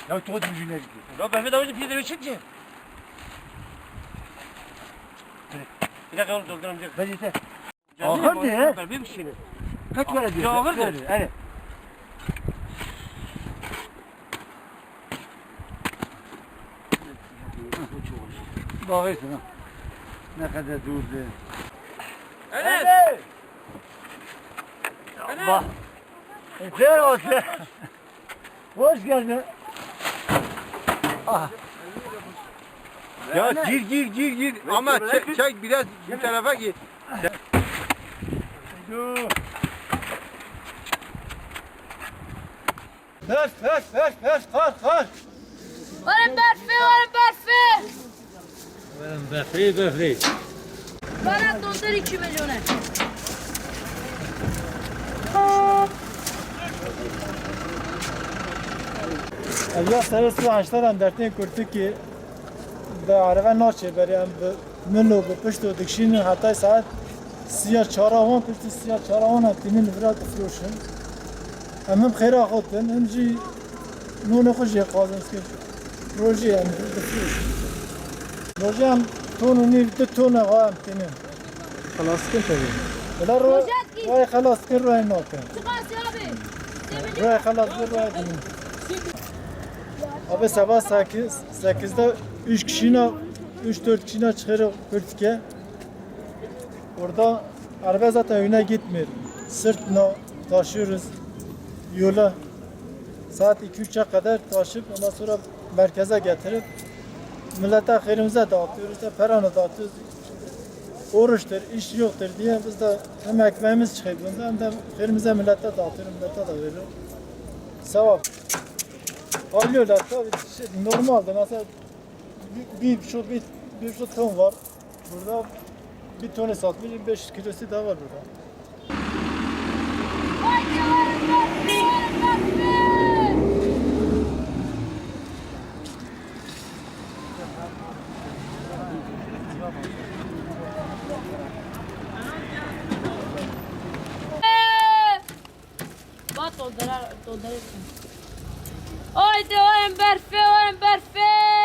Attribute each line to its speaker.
Speaker 1: Ya çok düzgün gitti.
Speaker 2: Ya Berfe davacı bir de çık ki. Bir dakika onu dolduralım.
Speaker 1: Ben yeter.
Speaker 2: Ağır
Speaker 1: Ağır diye.
Speaker 2: Berfe bir şeyini.
Speaker 1: Kaç para diyor?
Speaker 2: Ya ağırdır.
Speaker 1: Evet. Bakıyorsun ha. Ne kadar durdu.
Speaker 2: Enes.
Speaker 1: Bak. Güzel olsun. Hoş geldin. Ah.
Speaker 3: Ya gir ama çek biraz bu tarafa gir.
Speaker 1: Kalk.
Speaker 4: Varın berfi, varın berfi.
Speaker 1: Böfleyi.
Speaker 4: Bana dondur 2 milyonu.
Speaker 5: Ya servis açtıran dertini kurtu ki به عربه ناچه بریم به منو به پشت و دکشین حتی ساعت سیاه چهارهان پشت سیاه چهارهان هم تینین برات فروشن هم خیره خودتن هم جی نون خوشی قازنس که روژی هم بفروشن روژی هم تون و نیو دو تون هم تینین خلاص کن تبین بلا روی خلاص کن روی ناکن
Speaker 4: Çıkarsın abi.
Speaker 5: روی خلاص کن روی تینین Abi sabah 8'de 3 kişiyle 3-4 kişiyle çıkıyoruz Kürtük'e. Orada araba zaten öne gitmiyor. Sırtla taşıyoruz yola. Saat 2-3'e kadar taşıp ondan sonra merkeze getirip millete hayrımıza dağıtıyoruz da paranı dağıtıyoruz. Oruçtur, iş yoktur diye biz de hem ekmeğimiz çıkıyor bunda hem de hayrımıza millete dağıtıyoruz, millete de veriyoruz. Sevap. Alıyorlar tabii normalde mesela bir şu ton var burada bir tonu satmış 500 kilosu da var burada.
Speaker 4: Haydi varın berfi, varın berfi. Bak donduruyorsun. Haydi varın berfi, varın berfi.